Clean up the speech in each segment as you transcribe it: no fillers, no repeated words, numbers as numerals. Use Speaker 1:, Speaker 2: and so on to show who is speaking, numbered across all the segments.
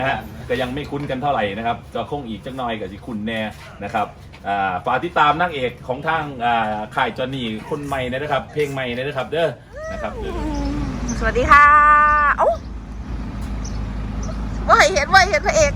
Speaker 1: ก็ยังไม่คุ้นกันเท่าไหร่นะครับก็คงอีกจักหน่อยกับสิคุณแน่นะครับฝากติดตามนางเอกของทางค่ายจอห์นนี่คนใหม่นะครับเพลงใหม่นะครับเด้อนะครับ
Speaker 2: สวัสดีค่ะเอ้าว่าเห็นพระเอก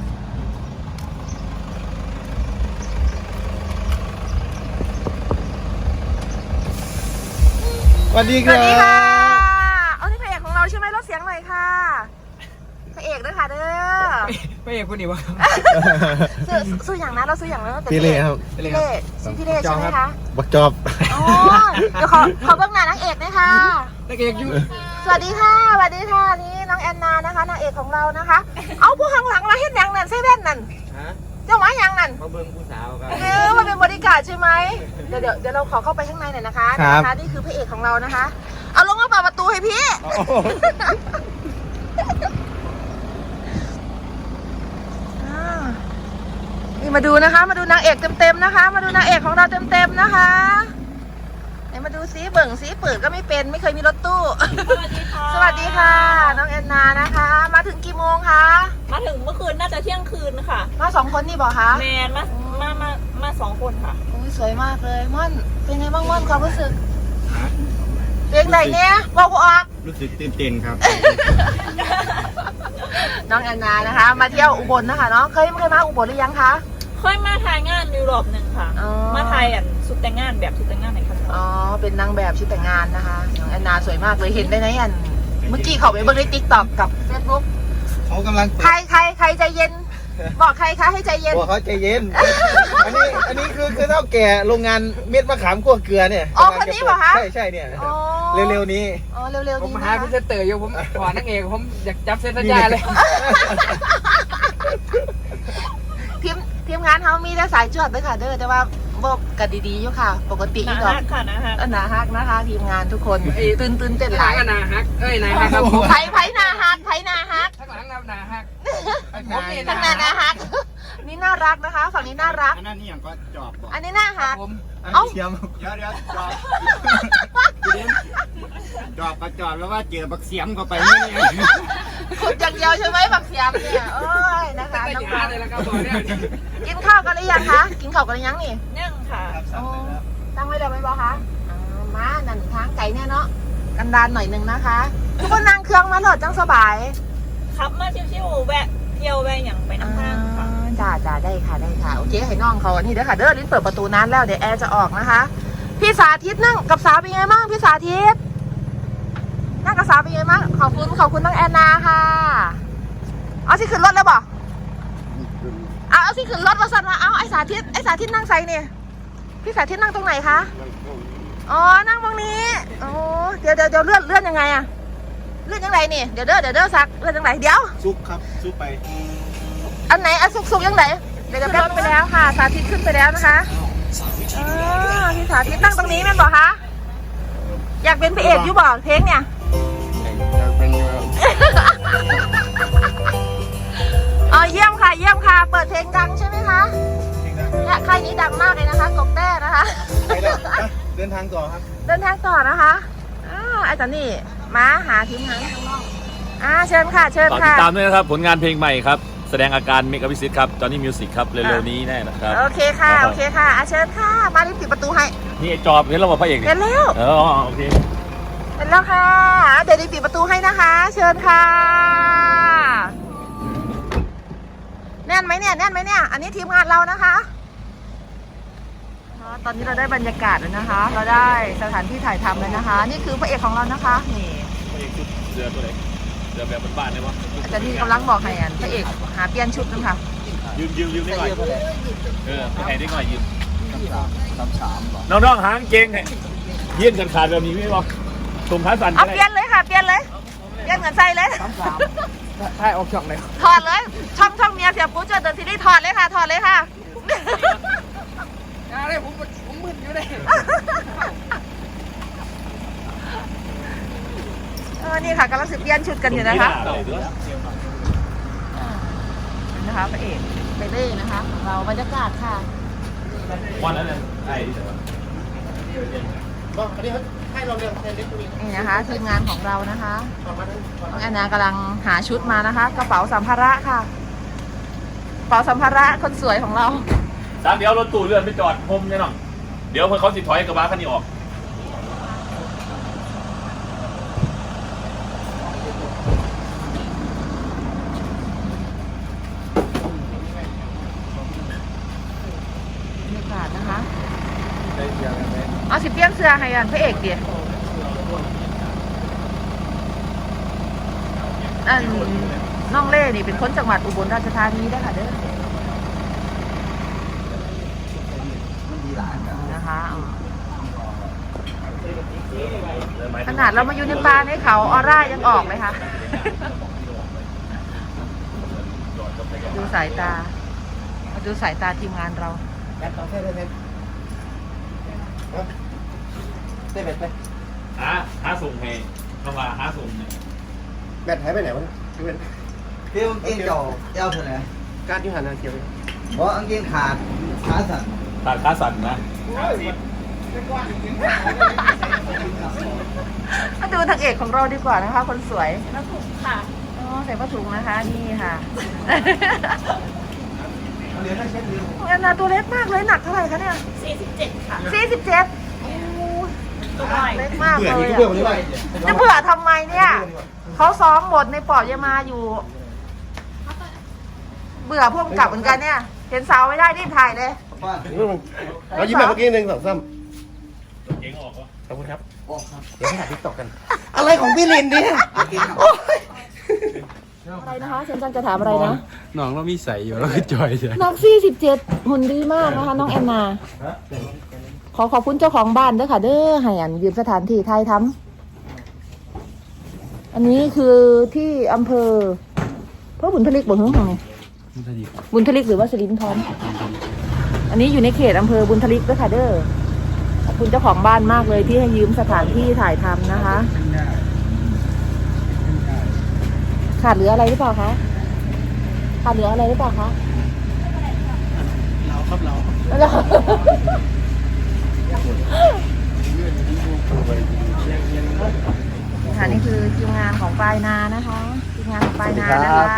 Speaker 3: สวัสดีค่ะ
Speaker 2: เอาที่พระเอกของเราใช่ไหมลดเสียงหน่อยค่ะพระเอกด้วยค่ะเด้อ
Speaker 4: พระเอกคนนี้วะ
Speaker 2: ซื้ออย่างนั้นเราซื้ออย่างนั้น
Speaker 3: พี่เล่ครับ
Speaker 2: พี่เล่ชื่อพี่เล่ใช่ไหมคะ
Speaker 3: บักจอบ
Speaker 2: อ๋อเดี๋ยวขอเบื้องหน้านางเอกนะคะ
Speaker 4: นางเอกอยู่
Speaker 2: สวัสดีค่ะนี่น้องแอนนานะคะนางเอกของเรานะคะเอาผู้ข้างหลังมาเห็นยังนั่นเซเว่นนั่นเจ้าหมายังนั่น
Speaker 4: มาเบิ้งผู้สาวครับ
Speaker 2: มาเป็นบริการใช่ไหมเดี๋ยวเราขอเข้าไปข้างในหน่อยนะคะนี่คือพระเอกของเรานะคะเอาลงมาเปิดประตูให้พี่นี่มาดูนะคะมาดูนางเอกเต็มๆนะคะมาดูนางเอกของเราเต็มๆนะคะมาดูซิเบิ่งซิเปิดก็ไม่เป็นไม่เคยมีรถตู้สวัสดีค่ะน้องแอนนานะคะมาถึงกี่โมงคะ
Speaker 5: มาถึงเมื่อคืนน่าจะเที่ยงคืนค่ะ
Speaker 2: มา2 คนนี่บอกคะ
Speaker 5: แมนมา2 คนค่ะ
Speaker 2: โอ้ยสวยมากเลยม่อนเป็นไงบ้างม่อนความรู้สึกเพลงไหนเนี่ยบอกกูออก
Speaker 3: รู้สึกตื่นเต้นครับ
Speaker 2: น้องแอนนานะคะมาเที่ยวอุบลนะคะเนาะเคยมาอุบลหรือยังคะ
Speaker 5: เคยมาถ่ายงานยุโรปหนึ่งค่ะมาถ่ายชุดแต่งงานแบบชุดแต่งงานไหนคะ
Speaker 2: อ๋อเป็นนางแบบชุดแต่งงานนะคะน้องแอนนาสวยมากเลยเห็นได้ไหมอันเมื่อกี้เขาไปเบิ่งในติ๊กต็อกกับเฟซบุ๊ก
Speaker 3: เขากำลัง
Speaker 2: ใครใจเย็นบอกใครคะให้ใจเย็น
Speaker 3: บอกเขาใจเย็นอันนี้คือเท่าแก่โรงงานเม็ดมะขามคั่วเกลือเนี่ย
Speaker 2: อ๋อคนนี้เหรอคะ
Speaker 3: ใช่เนี่ยเร็วๆนี้
Speaker 2: อ๋อเร็วๆนี้
Speaker 4: ผมหาพี่เต๋ออยู่ผมขอนางเอกผมอยากจับเส้นสัญญาเลย
Speaker 2: ทีมงานเขามีแต่สายจวดไปค่ะเด้อแต่ว่าบอกกันดีๆอยู่ค่ะปกติ
Speaker 5: อยู่
Speaker 2: ก่อน
Speaker 5: นะฮะ
Speaker 2: นาฮักนะคะทีมงานทุกคนตื่นเต้นหลาย
Speaker 4: นาฮักนาฮักครับ
Speaker 2: ไผ่นาฮักข้
Speaker 4: างหลังนาฮัก
Speaker 2: ผมนี่นาฮักนี่น่ารักนะคะฝั่งนี้น่ารัก
Speaker 3: อันนั้นนี่อย่างก็จอบ
Speaker 2: อันนี้น่าฮัก
Speaker 3: เอ้าเดี๋ยวจอบประจอบแล้วว่าเจอบักเสียมเข้าไปนี่
Speaker 2: ขุดอย่างเดียวใช่ไหมบักเสียมเนี่ยโอ้ยนะคะน้องกินข้าวกันหรือยังคะกินข้าวกันหรือยังนี่
Speaker 5: ยังค่ะ
Speaker 2: ตั้งไว้เดี๋ยวไม่บอกคะมาหนังทางไก่เนี่ยเนาะกันดานหน่อยนึงนะคะทุกคนนั่งเครื่องมาหลอดจังสบาย
Speaker 5: ขับมาชิวๆแวะเที่ยวแวะอย่างไปน้ำข้างค่ะ
Speaker 2: จ้าได้ค่ะโอเคให้น้องเขาอันนี้เด้อค่ะเด้อลิ้นเปิดประตูนั้นแล้วเดี๋ยวแอร์จะออกนะคะพี่สาธิตนั่งกับสาวเป็นไงบ้างพี่สาธิตนั่งกับสาวเป็นไงบ้างขอบคุณน้องแอนนาค่ะเอาสิขึ้นรถแล้วบอกเอาสิขึ้นรถมาสั่นมาเอาไอสาธิตนั่งใส่เนี่ยพี่สาธิตนั่งตรงไหนคะอ๋อนั่งตรงนี้โอ้เดี๋ยวเลื่อนยังไงอะเลื่อนยังไงนี่เดี๋ยวซักเลื่อนยังไงเดี๋ยว
Speaker 3: ซุกครับซุกไป
Speaker 2: อันไหนซุกยังไงเดี๋ยวแป๊บไปแล้วค่ะสาธิตขึ้นไปแล้วนะคะพี่สาธิตนั่งตรงนี้แม่บอกคะอยากเป็นพระเอกอยู่บอกเพลงเนี่ยอ๋อเยี่ยมค่ะเปิดเพลงดังใช่ไหมคะและค่ายนี้ดังมากเลยนะคะกบแต้นะคะ
Speaker 3: เดินทางต่อครับ
Speaker 2: เดินทางต่อนะคะไอ้ตอนนี้มาหาทีมงานข้างนอกเชิญค่ะ
Speaker 1: ติดตามด้วยนะครับผลงานเพลงใหม่ครับแสดงอาการเมกะพิซิตครับจอห์นนี่มิวสิกครับเร็วๆนี้แน่นะครับ
Speaker 2: โอเคค่ะเชิญค่ะมารีบปิดประตูให้
Speaker 1: นี่จอบเห็นเราบอกพระเอก
Speaker 2: เห็นแล้ว
Speaker 1: โอเค
Speaker 2: เห็นแล้วค่ะเดี๋ยวรีบปิดประตูให้นะคะเชิญค่ะแน่นไหมเนี่ยอันนี้ทีมงานเรานะคะตอนนี้เราได้บรรยากาศแล้วนะคะเราได้สถานที่ถ่ายทำเลยนะคะนี่คือพระเอกของเรานะคะนี่
Speaker 1: พระเอกชุดเรือตัวไหนเรือแบบบ้านๆเลยวะ
Speaker 2: อาจารย์นี่กำลังบอกให้พระเอกหาเปลี่ยนชุดนะคะ
Speaker 1: ยืมได้หน่อยไปไหนได้หน่อยยืมน้องหางเก่งเยี่ยนกันขาดแบบนี้ไม่บอกส่งขาสั่น
Speaker 2: เปลี่ยนเลยค่ะเปลี่ยนเหมือนใส่เลย
Speaker 4: ใช่ออกช่องเลย
Speaker 2: ถอดเลยช่องเมียเสียปุ๊บเจอเดินซีรีส์ถอดเลยค่ะ
Speaker 4: อะไรผมมึนอยู่เลย
Speaker 2: นี่ค่ะกำลังเปลี่ยนชุดกันอยู่นะคะพระเอกไปเล่นะคะเราบรรยากาศค่ะ
Speaker 1: วันนั้นไอ้
Speaker 2: นี่นะคะทีมงานของเรานะคะน้องแอนนากำลังหาชุดมานะคะ กระเป๋าสัมภาระค่ะกระเป๋าสัมภาระคนสวยของเรา
Speaker 1: สามเดี๋ยวรถตู้เลื่อนไปจอดพมเนี่ยน้องเดี๋ยวเพื่อนเขาสิถอยกระบะคันนี้ออก
Speaker 2: บรรยากาศนะคะเอาสิเปลี่ยนเสื้อให้กันพระเอกดิน้องเล่นี่เป็นคนจังหวัดอุบลราชธานีได้อค่ะเด้อนะคะขนาดเรามาอยู่ในป่าในเขาออร่ายังออกเลยค่ะ ดูสายตาดูสายตาทีมงานเรา
Speaker 1: หาส่งให้น้องลาหาส่งเนี่ย
Speaker 3: แบตหายไปไหนวะพี่เป็น
Speaker 6: พี่กางเกงเจ้าเจ้าเท่าไหร่
Speaker 3: การที่หันหน้าเขียว
Speaker 6: เพราะกางเกงขาดขาสั่น
Speaker 1: ตัดขาสั่นนะ
Speaker 2: มาดูทางเอกของเราดีกว่านะคะ คนสวย
Speaker 5: แล้วถูกค่ะ
Speaker 2: อ๋อใส่ผ้าถุงนะคะนี่ค่ะแอนนาตัวเล็กมากเลยหนักเท่าไหร่คะเนี่ย
Speaker 5: 47 ค่ะ
Speaker 2: 47โอ้
Speaker 5: ตัวน้อย
Speaker 2: เล็กมาก
Speaker 3: เบื่อ
Speaker 2: เลย
Speaker 3: นี่ก็เบื่อคนนี้ไป
Speaker 2: จะเบื่อทำไมเนี่ยเขาซ้อมบทในปอบยามาอยู่ เบื่อพวกกลับเหมือนกันเนี่ย เห็นสาวไม่ได้รีบถ่ายเลย
Speaker 6: บ้าน
Speaker 3: เรายิ้มแบบเมื่อกี้หนึ่งสองสาม
Speaker 1: เก่งออกวะ
Speaker 3: ขอบคุณครับ
Speaker 6: ออกครับ
Speaker 3: เดี๋ยวให้ถ่ายทิกตอกกัน อะไรของพี่ลินเนี่ย
Speaker 6: กางเกงขาด
Speaker 2: อะไรนะคะเชนจังจะถามอะไรนะ
Speaker 4: น้องเรามีใส่อยู่แล้วก็จอยใช่
Speaker 2: น้อง47หุ่นดีมากนะคะ น้องแอนนา ขอบคุณเจ้าของบ้านด้วยค่ะ เด้อให้อันยืมสถานที่ไทยทำอันนี้คือที่อำเภอพระบุญทลิกบ่หึงของบุญทลิกหรือว่าสิรินทรอันนี้อยู่ในเขตอำเภอบุญทลิกด้วยค่ะเด้อขอบคุณเจ้าของบ้านมากเลยที่ให้ยืมสถานที่ถ่ายทำนะคะ ขาดเหลืออะไรหรือเปล่าคะขาดเหลืออะไรหรือเปล่าคะเราครับเราค่ะนี่คือทีมงานของปลายนานะคะทีมงานของปลายนานะคะ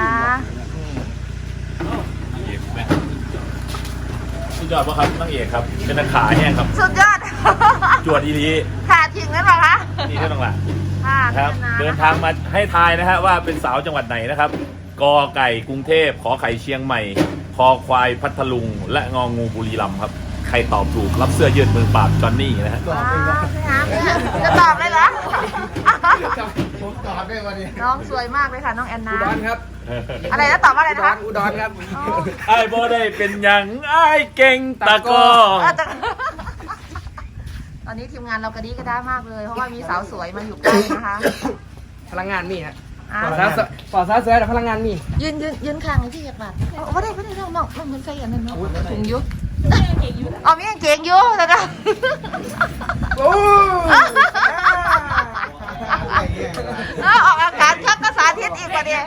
Speaker 1: สุดยอดป่ะครับนางเอกครับเป็นนักขาแห้งครับ
Speaker 2: สุดยอด
Speaker 1: จวดอีลี
Speaker 2: ขาดถึงแล้วเหรอคะ
Speaker 1: นี่ได้น้องละ
Speaker 2: ค่ะ
Speaker 1: ครับ เดินทางมาให้ทายนะฮะว่าเป็นสาวจังหวัดไหนนะครับกอไก่กรุงเทพขอไข่เชียงใหม่คอควายพัทลุงและงองูบุรีรัมย์ครับใครตอบถูกรับเสื้อยืดมือปราบจอนนี่นะฮะ
Speaker 2: ว้าวจะตอบเลยเหรอ
Speaker 3: ผมตอบได้วันนี้
Speaker 2: น้องสวยมากเลยค่ะน้องแอนนา
Speaker 4: อุดรครับ
Speaker 2: อะไรนะตอบว่าอะไรนะคะ
Speaker 4: อุดรครับ
Speaker 1: ไอ้บ่ได้เป็นหยังไอ้เก่งตะกอ
Speaker 2: ตอนนี้ทีมงานเรากระดีกระด้ามากเลย เพราะว่ามีสาวสวยมาอยู่ใกล้นะคะ
Speaker 4: พลังงานมีฮะ
Speaker 2: อ่ะ
Speaker 4: ปอดซาเสือแต่พลังงานมี
Speaker 2: ยืนข้างไอ้ที่เหยียบบาดไม่ได้น้องเหมือนใส่อันนั้นเนาะถุงยุ
Speaker 5: เก่งอยู่
Speaker 2: อ๋อมีกางเกงอยู่แล้วก็
Speaker 4: โอ้
Speaker 2: ออกอากาศครับก็สาธิตอีกประเดี๋ยว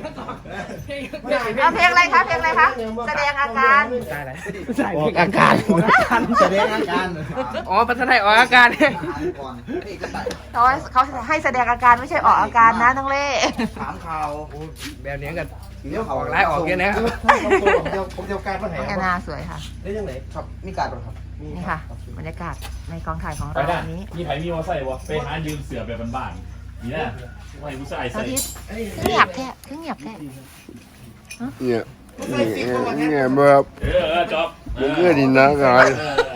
Speaker 2: เพลงอะไรคะเพลงอะไรคะแสดงอาการ
Speaker 4: ใส่อาการ
Speaker 6: แสดงอาการ
Speaker 4: อ๋อพัฒนาออกอาการเนี่ย
Speaker 6: หายก่อนนี่ก็ใส่
Speaker 2: เขาให้แสดงอาการไม่ใช่ออกอาการนะน้องเล่
Speaker 6: ถามข่าว
Speaker 4: แบบนี้กัน
Speaker 6: เดี๋ยว
Speaker 4: อ
Speaker 6: เขา
Speaker 4: อกไล่ออกเยอะนะครับ
Speaker 3: ผมเดียวการมาไหน
Speaker 2: น้องแอนนาสวยค่ะ
Speaker 3: ได้ยังไง
Speaker 6: ครับมีการหรอครับ
Speaker 2: นี่ค่ะบรรยากาศในกองถ่ายของ
Speaker 1: ไป
Speaker 2: เรา
Speaker 1: ได้
Speaker 2: วันนี้
Speaker 1: มีไผมีมอไซค์วะไปหายืมเสือแบบบ้านๆนี่นะไม่ผู้ชาย
Speaker 2: สา
Speaker 1: ใส่
Speaker 2: ธิตเงียบแท้เงียบแท้
Speaker 7: เนี่ยเนี่ยแบบ
Speaker 1: จอบ
Speaker 7: มันก็ดีนะกาย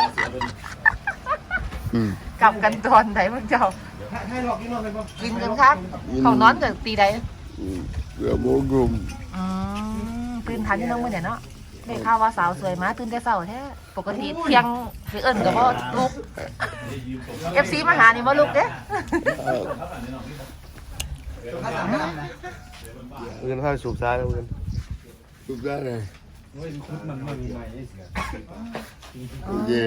Speaker 7: อืม
Speaker 2: กลับกันตอนไหนมึงเจ้า
Speaker 3: ให้หลอกกินหลอกเลยป่ะ
Speaker 2: กินกันครับของนอนจากตีใด
Speaker 7: เกือบโมกลุ่ม
Speaker 2: ตื่นทันที่น้องมื่อเนี่ยเนาะได้ข่าวว่าสาวสวยมาตื่นแต่เช้าแท้ปกติเที่ยงหรือเอิญกับว่าลุก FC มาหานี่ว่าลุกเด้
Speaker 3: เงินข้าวสูบซ้ายแล้วเงิน
Speaker 7: ทุกได้เลยเย่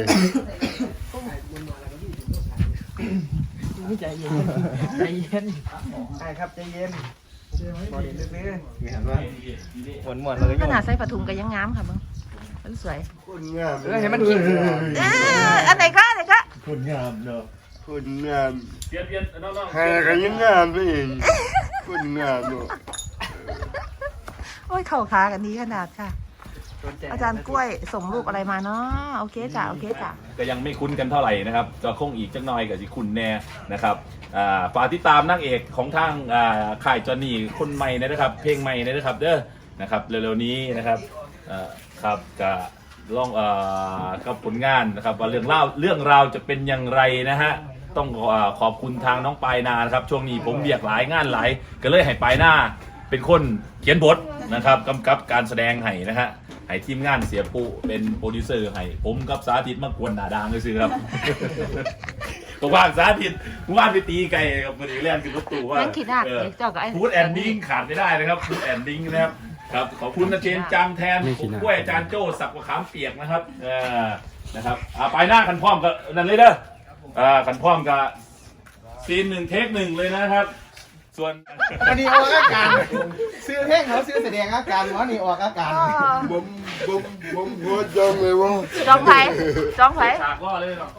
Speaker 4: ใจเย็นใจเย็น
Speaker 3: ใช่ครับใจเย็น
Speaker 4: บอดี้ซื้อ
Speaker 3: เห็นว่าหมวนเลย
Speaker 2: ขนาดใส่ผ้าถุงก็ยังงามค่ะมึงมันสวย
Speaker 7: คนงาม
Speaker 4: เห็นมันกิน
Speaker 2: อันไหนก็
Speaker 1: คนงามเนอะ
Speaker 7: คนงาม
Speaker 1: เปลี่ยนน้องๆ
Speaker 7: ใครก็ยังงามไปเองคนงามเนาะ
Speaker 2: โอ้ยเข่าขากันดีขนาดค่ะ อาจารย์กล้วยส่งรูปอะไรมาเนาะโอเคจ้ะโอเคจ้ะ
Speaker 1: ก็ยังไม่คุ้นกันเท่าไหร่นะครับจะคงอีกจักหน่อยกับสิคุณแน่นะครับฝากติดตามนางเอกของทางค่ายจอห์นนี่คนใหม่นะครับ เพลงใหม่นะครับเด้อนะครับเร็วๆนี้นะครับครับก็ลองกับผลงานนะครับว่าเรื่องราวจะเป็นอย่างไรนะฮะต้องขอบคุณทางน้องปายนานะครับช่วงนี้ผมเบียกหลายงานหลายก็เลยให้ปายนาเป็นคนเขียนบทนะครับกำกับการแสดงให้นะฮะให้ทีมงานเสียปูเป็นโปรดิวเซอร์ให้ผมกับสาธิตมากวนหนาดางเลยสิครับ ผมว่างสาธิตว่างไปตีไก่กับมันอีกเรื่องคือรถตู้ว่า
Speaker 2: นั่งคิดหนักเลยเจ้ากับไอ้
Speaker 1: ฟูดแอนดิ้งขาดไม่ได้นะครับฟูดแอนดิ้งนะครับครับขอบคุณอาจารย์จางแทนผมกล้วยอาจารย์โจ้สักมะขามเปียกนะครับนะครับไปหน้าคันพร้อมกับนั่นเลยเด้อคันพร้อมกับซีน1 เทค 1เลยนะครับ ส่วน
Speaker 3: อันนี้ออกอาการซื้อเพลงเขาซื้อแสดงอาการวะนี่ออกอาการ
Speaker 7: ผมหัวจังเลยว่า
Speaker 2: จ้องไผ่จ้องไผ่
Speaker 1: ฉากก็เลยเนาะ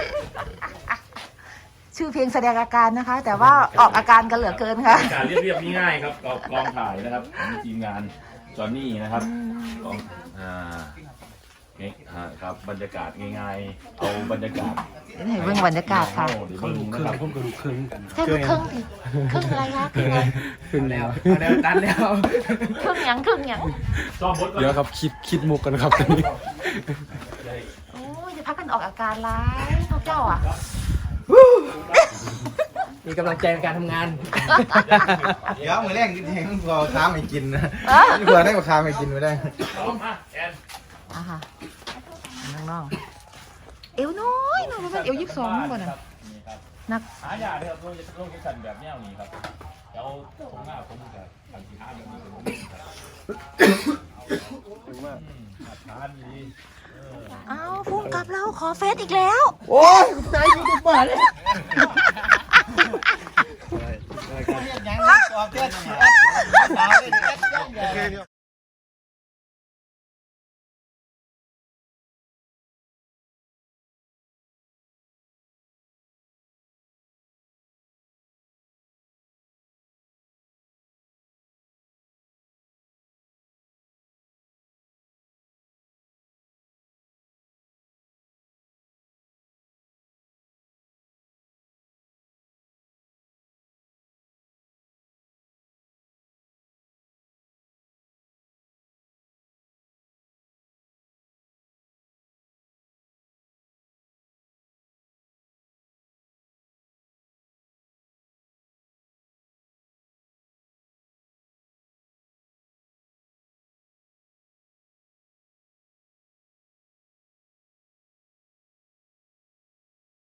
Speaker 2: ชื่อเพลงแสดงอาการนะคะ แต่ว่าออกอาการกันเหลือเกินค่ะ
Speaker 1: การเรียบง่ายๆครับกองถ่ายนะครับของทีมงานจอห์นนี่นะครับกองครับบรรยากาศง่ายๆเอาบรรยากาศ
Speaker 2: เห็นเบื้องบรรยากาศค่ะ
Speaker 1: เขาดูครึ่งผมก็ดูครึ่งกัน
Speaker 2: แค่ดูครึ่งดิครึ่งอะไรคะครึ่งอะไร
Speaker 4: ขึ้นแล้วแล้วตันแล้ว
Speaker 2: ครึ่งหยังครึ่งหยัง
Speaker 1: ซ้อมบทก่อน
Speaker 8: เดี๋ยวครับคิดมุกกันครับตอนนี้
Speaker 2: โอ้ยจะพักกันออกอาการร้ายพวกเจ้าอ่ะ
Speaker 4: มีกำลังใจในการทำงาน
Speaker 3: เดี๋ยวมือแรกที่แทงพอค้าไม่กินนะนี่เผื่อได้กว่าค้าไม่กินไม่ได้
Speaker 1: ซ้อมมาแอน
Speaker 2: อ่ะค่ะน้องๆเอวน้อยน้องมันเอว22ก่อนน่ะนัก
Speaker 1: หายาเลยครับโรงสั่นแบบแนวนี้ครับแล้วผมหน้าผมจะทำสีห้าแบบนี้ทานดี
Speaker 2: อ้าวพุ่งกลับเราขอเฟซอีกแล้ว
Speaker 3: โอ้ยใจยูทูบเบอร์เลยยังออกเพื่อนสาวเลย